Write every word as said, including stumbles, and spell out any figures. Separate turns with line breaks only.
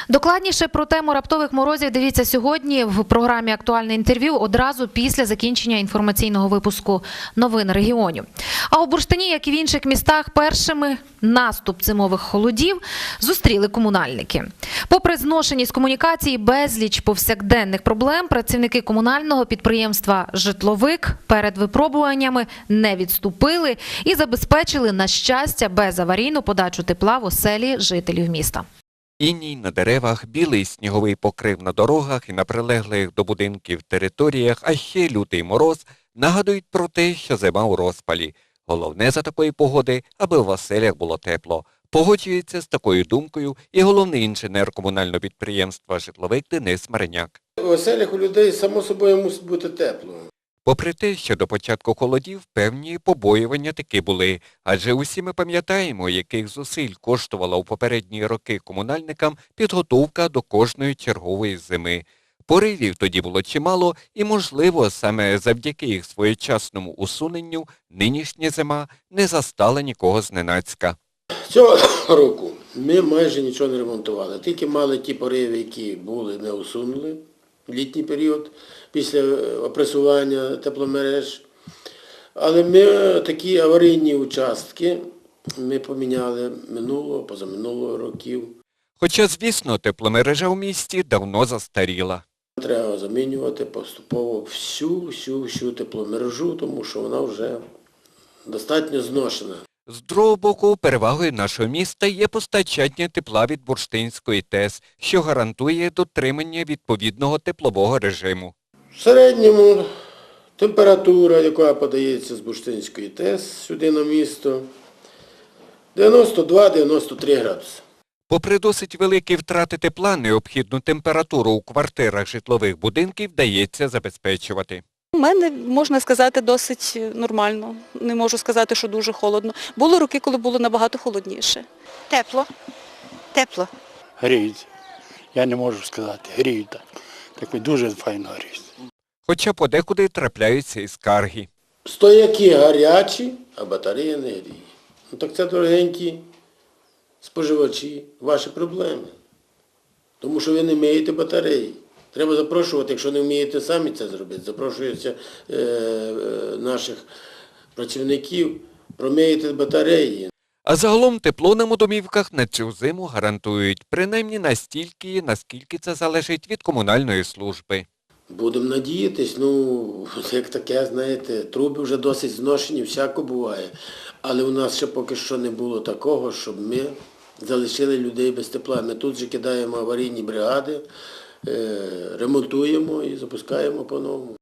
Докладніше про тему раптових морозів дивіться сьогодні в програмі «Актуальне інтерв'ю» одразу після закінчення інформаційного випуску новин регіонів. А у Бурштині, як і в інших містах, першими наступ зимових холодів зустріли комунальники. Попри зношеність комунікації, безліч повсякденних проблем, працівники комунального підприємства «Житловик» перед випробуваннями не відступили і забезпечили, на щастя, безаварійну подачу тепла в оселі жителів міста.
Іній на деревах, білий сніговий покрив на дорогах і на прилеглих до будинків територіях, а ще лютий мороз нагадують про те, що зима у розпалі. Головне за такої погоди, аби в оселях було тепло. Погоджується з такою думкою і головний інженер комунального підприємства «Житловик» Денис Мариняк.
У оселях у людей, само собою, мусить бути тепло.
Попри те, що до початку холодів певні побоювання таки були, адже усі ми пам'ятаємо, яких зусиль коштувала у попередні роки комунальникам підготовка до кожної чергової зими. Поривів тоді було чимало і, можливо, саме завдяки їх своєчасному усуненню нинішня зима не застала нікого зненацька.
Цього року ми майже нічого не ремонтували, тільки мали ті пориви, які були, не усунули в літній період після опресування тепломереж. Але ми такі аварійні участки ми поміняли минулого, позаминулого років.
Хоча, звісно, тепломережа у місті давно застаріла.
Треба замінювати поступово всю-всю-всю тепломережу, тому що вона вже достатньо зношена.
З другого боку, перевагою нашого міста є постачання тепла від Бурштинської ТЕС, що гарантує дотримання відповідного теплового режиму.
В середньому температура, яка подається з Бурштинської ТЕС сюди на місто, дев'яносто два - дев'яносто три градуси.
Попри досить великі втрати тепла, необхідну температуру у квартирах житлових будинків вдається забезпечувати.
У мене, можна сказати, досить нормально. Не можу сказати, що дуже холодно. Були роки, коли було набагато холодніше.
Тепло. Тепло.
Гріють. Я не можу сказати. Гріють так. Так дуже файно гріють.
Хоча подекуди трапляються і скарги.
Стояки гарячі, а батарея не гріє. Ну так це, дорогенькі споживачі, ваші проблеми. Тому що ви не миєте батареї. Треба запрошувати, якщо не вмієте самі це зробити, запрошується е, е, наших працівників, промиєте батареї.
А загалом тепло нам у домівках на цю зиму гарантують, принаймні настільки, наскільки це залежить від комунальної служби.
Будемо надіятись, ну, як таке, знаєте, труби вже досить зношені, всяко буває. Але у нас ще поки що не було такого, щоб ми залишили людей без тепла. Ми тут же кидаємо аварійні бригади, ремонтуємо і запускаємо по-новому.